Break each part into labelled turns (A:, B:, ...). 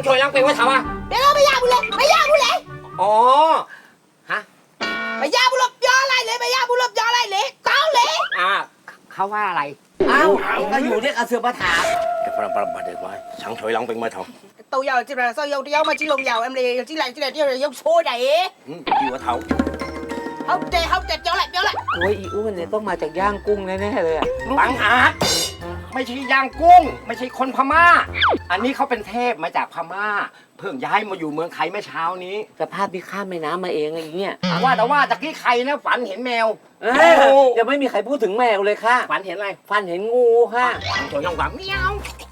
A: ช่วยล้างเป็นว่าถามว่า
B: เดี๋ยวไม่ยากบุเลยไม่ยากบุเลย
A: อ๋อฮะ
B: ไม่ยากบุลบย้ออะไรเลยไม่ยากบุลบย้ออะไรเลยเก้าเลย
A: เขาว่าอะไร
C: อ้าวก็อยู่เรียกอาเสือมาถาม
A: เดี๋ยวปรเดี๋ยวไว้ช่างช่วยล้างเป็นมาถาม
B: tàu giàu chỉ là sao giàu đéo mà chỉ lồng giàu em này chỉ là giàu xôi đấy
A: อยู่กับเถา
B: không tệย้อlại
C: โอ้ยอีอ้วนเนี่ยต้องมาจากย่างกุ้งแน่ๆเลยอ่ะ
A: บังอาจไม่ใช่ย่างกุ้งไม่ใช่คนพม่าอันนี้เขาเป็นเทพมาจากพม่าเพิ่งย้ายมาอยู่เมืองไทยเมื่อเช้านี้
C: สภาพที่ข้ามแม่น้ำมาเองอะไรอย่างเงี้ย
A: แต่ว่าตะกี้ใครนะฝันเห็นแมว
C: ยังไม่มีใครพูดถึงแมวเลยค่ะ
A: ฝันเห็นอะไร
C: ฟันเห็นงูค่ะ
A: ช่างช่วยล้างเมียว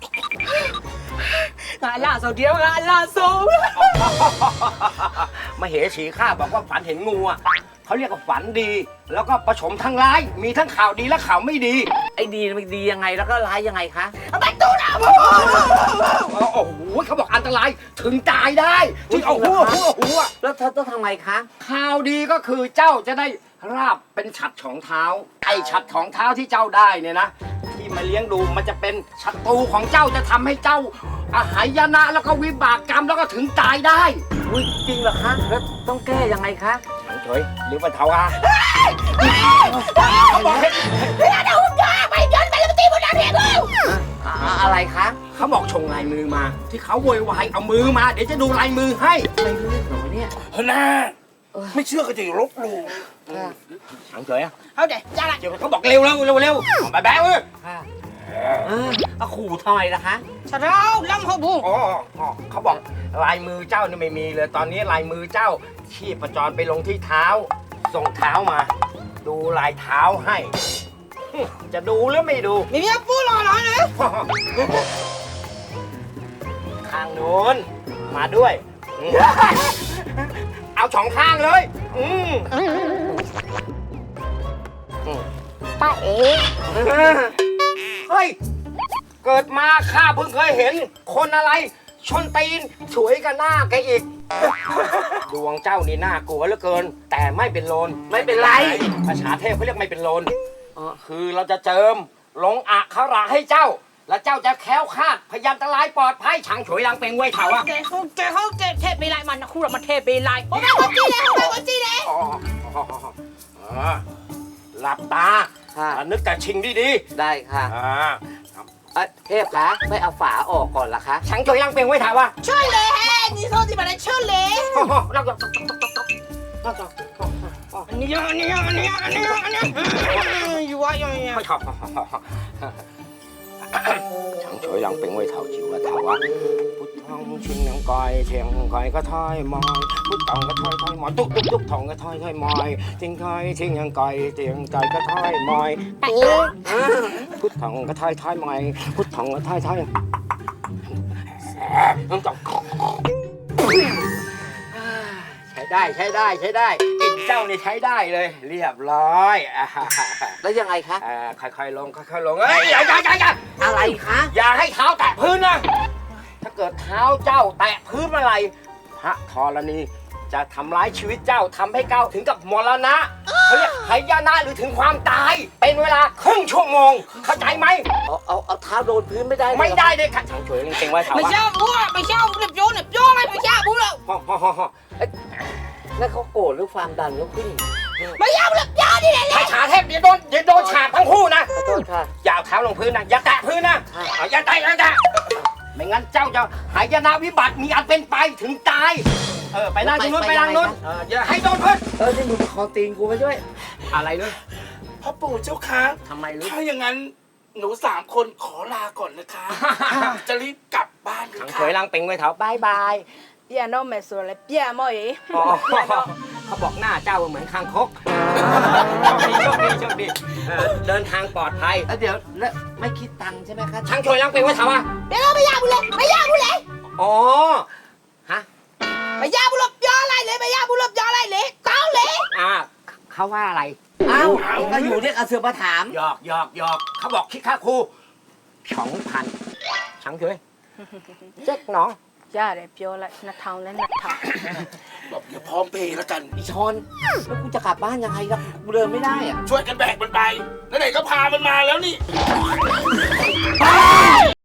B: là sầu điếu là sầu
A: มาเหสีข้าบอกว่าฝันเห็นงูอ่ะเขาเรียกว่าฝันดี แล้วก็ผสมทั้งร้ายมีทั้งข่าวดีและข่าวไม่ดี
C: ไอ้ดีมันดียังไงแล้วก็ร้ายยังไงคะ
B: bắt tu nào
A: โอ้โหเขาบอกอันตรายถึงตายได้ที่เอาหัว
C: แล้วเธอต้องทำไงคะ
A: ข่าวดีก็คือเจ้าจะได้ราบเป็นฉัตรของเท้าไอ้ฉัตรของเท้าที่เจ้าได้เนี่ยนะที่มาเลี้ยงดูมันจะเป็นศัตรูของเจ้าจะทำให้เจ้าหายนะแล้วก็วิบากกรรมแล้วก็ถึงตายได้
C: อุ้ยจริงเหรอคะแล้วต้องแก้ยังไงคะ
A: ฉันเฉยหรือว่าเทาอา
B: mày đến mày làm tim một đàn thiệt không
C: อะไรคะ
A: เขาบอกชงลายมือมา ที่เขาโวยวายเอามือมาเดี๋ยวจะดูลายมือให้
C: ไม่รู้เรื่องเหรอเนี่ย
D: เฮ้ยนะไม่เชื่อก็จะลบหลู่
A: ฉันเฉยอ่ะ
B: không để ra lại
A: เดี๋ยวเขาบอกเร็วแบ๊ว
C: ค่ะเอาขู่ทำไมล่ะคะ
B: sao đâu lâm hộp bù
A: อ๋อเขาบอกลายมือเจ้านี่ไม่มีเลยตอนนี้ลายมือเจ้าชีพจรไปลงที่เท้าส่งเท้ามา ดูลายเท้าให้ จะดูหรือไม่ดู
B: mày biết bù lò nói nữa
A: ข้างนู้นมาด้วยเอาสองข้างเลยป้าเอ๋เฮ้ยเกิดมาข้าเพิ่งเคยเห็นคนอะไรชนตีนสวยกับหน้าแกอีก ดวงเจ้านี่น่ากลัวเหลือเกิน แต่ไม่เป็นโลน
C: ไม่เป็นไร
A: ภาษาเทพเขาเรียกไม่เป็นโลนคือเราจะเจิมลงอักขระให้เจ้า แล้วเจ้าจะแคล้วคลาดพยันตรายปลอดภัยฉางฉวยลังเป็นไว้เถาอะ
B: không thép bị lại mà nó khu là mà thép bị lại hôm nay có chi đấy
A: หลับตา
C: ค่ะ
A: นึกแต่ชิงดี
C: ได้ค่ะเทพคะไม่เอาฝาออกก่อนล่ะคะ
A: ๆฉางฉวยลังเป็นไว้เถาอะ
B: chơi lề he đi thôi thì mà lại chơi lề
A: เราจะ
B: you are you
A: ไม่ชอบฉางฉวยลังเป็นไว้เถาจิ๋วว่าเถาอะพุทธังชิงนังกอยเชียงกอยก็ถอยมอยพุทธังก็ถอยมอยตุ๊กทองก็ถอยมอยทิ้งถอยทิ้งยังกอยเตียงกอยก็ถอยมอยพุทธังก็ถอยมอยพุทธังก็ถอยน้ำจอกใช้ได้อินเจ้านี่ใช้ได้เลยเรียบร้อย
C: แล้วยังไงคะ
A: ค่อยๆลงเอ้ยอย่า
C: อะไรคะ
A: อย่าให้เท้าแตะพื้นนะถ้าเกิดเท้าเจ้าแตะพื้นเมื่อไหร่พระธรณีจะทำร้ายชีวิตเจ้าทำให้เก้าถึงกับมรณะเขาเรียกหายนะหรือถึงความตายเป็นเวลาครึ่งชั่วโมงเข้าใจไหม
C: เอาเท้าโดนพื้นไม่ได้
A: ไม่ได้เลยค่ะช่างช่วยเก่งๆไว้เถา
B: mày
A: วะ
B: sao bố mày sao đẹp vô này mày sao bố đâu
C: แล้วเขาโกรธหรือความดันเขาขึ้น
B: mày sao đẹp vô đi này
A: ถ้าขาเทพเดี๋ยวโดนฉาบทั้งคู่นะ
C: ขอโทษค่ะ
A: อย่าเอาเท้าลงพื้นนะอย่าแตะพื้นนะอย่าแตะไม่งั้นเจ้าจะหายนะวิบัติมีอันเป็นไปถึงตายไปนั่งตรงนู้นไปนั่งนู้นอย่าให้โดนพื้น
C: นี่มึงคอตีนกูไปด้วย
A: อะไรเลย
D: พ่อปู่เจ้าคะ
A: ทำไมรู้
D: ถ้าอย่างนั้นหนู3 คนขอลาก่อนนะคะ จะรีบกลับบ้านเลย
A: ขัง
D: ค่ะ
A: เคยลังเป็งไว้เถาบายบาย
B: bia nó mày sửa lại bia mày
A: เขาบอกหน้าเจ้าเหมือนคางคกโชคดีเดินทางปลอดภัย
C: แล้วเดี๋ยวแล้วไม่คิดตังค์ใช่ไหมคะ
A: ช่างช่วยลังเป็งไว้เถาอะ
B: bia nó mày sao bù lệ
A: อ๋อฮะ
B: mày sao bù lấp gió lại lệ mày sao bù lấp gió lại lệ tao lệ
A: เขาว่าอะไร
C: อ้าวก็อยู่เรียกอาเสือมาถาม
A: หยอกเขาบอกคิดค่าครู2,000ช่างช่วยเจ๊กน้อง
B: ra để vô lại nạt thòng lên nạt thòng
D: บอกอย่าพร้อมเพย์แล้วกัน
C: อีชอนแล้วกูจะกลับบ้านยังไงล่ะกูเดินไม่ได้อะ
D: ช่วยกันแบกมันไปแล้วไหนก็พามันมาแล้วนี่